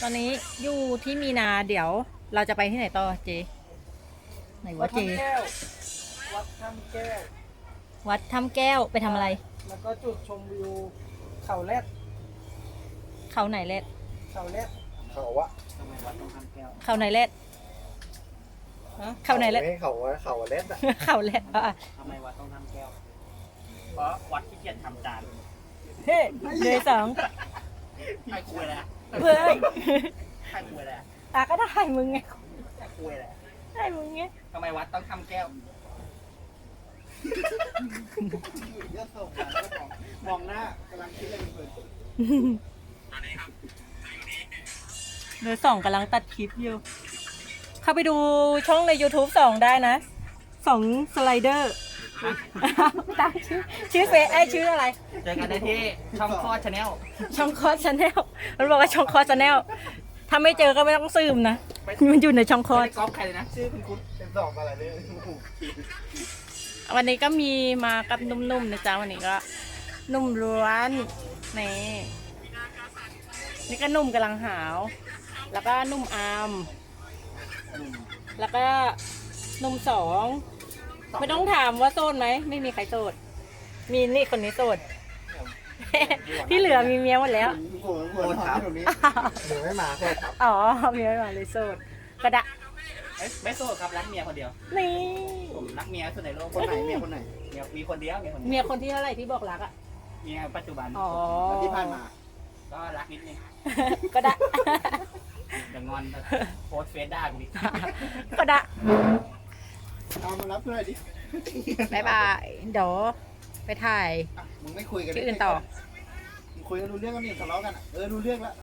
ตอนนี้อยู่ที่มีนาเดี๋ยวเราจะไปที่ไหนต่อเจไหนวะเจวัดถ้ำแก้ววัดถ้ำแก้วไปทำอะไรแล้วก็จุดชมวิวเขาแรดเขาไหนเล็ดเขาแรดเขาวะทำไมวัดต้องถ้ำแก้วเขาไหนเล็ดฮะเขาไหนเล็ดไม่เขาวะเขาเล่นอ่ะเขาเล็ดอ่ะทำไมวัดต้องถ้ำแก้ว เพราะวัดที่เกียรทำจานเฮ้เดยสองให้คุยแล้วเฮ้ยให้คุยแล้วตาก็ได้มึงไงให้คุยแล้วได้มึงไงทำไมวัดต้องทำแก้วเยอะส่งมองหน้ากำลังคิดอะไรเพลินเดยสองกำลังตัดคลิปอยู่ เข้าไปดูช่องใน YouTube สองได้นะสองสไลเดอร์ตามชื่อเฟซชื่ออะไรเจอกันได้ที่ช่องคลอดชาแนลช่องคอสชาแนลมันบอกว่าช่องคอสชาแนลถ้าไม่เจอก็ไม่ต้องซึมนะ มันอยู่ในช่องคอไม่สได้ก๊อปใครเลยนะ ชื่อคุณเป็นสองอะไรเนี่ยวันนี้ก็มีมากับนุ่มๆนะจ๊ะวันนี้ก็นุ่มล้วนนี่นี่ก็นุ่มกำลังหาว แล้วก็นุ่มอาม แล้วก็นุ่มสองไม่ต้องถามว่าโสดไหมไม่มีใครโสดมีนี่คนนี้โสด ที่เหลือมีเมียหมดแล้วโอ้ถามตรงนี้หนูไม่มาแค่ครับอ๋อเมียไม่มาเลยโสดกระดะไม่โสดครับรักเมียคนเดียวนี่ผมรักเมียสุดในโลกคนไหนเมียคนไหนเมียมีคนเดียวเมียคนเดียวเมียคนที่เท่าไหร่ที่บอกรักอ่ะเมียปัจจุบันอ๋อแล้วที่ผ่านมาก็รักนิดนึงก็ได้อย่างงอนโพสต์เฟซด่ากูดิก็ได้เอามารับเพื่อนดิบายบายเดี๋ยวไปถ่ายมึงไม่คุยกันที่อื่นต่อมึงคุยกันรู้เรื่องกันนี่ทะเลาะกันรู้เรื่องแล้ว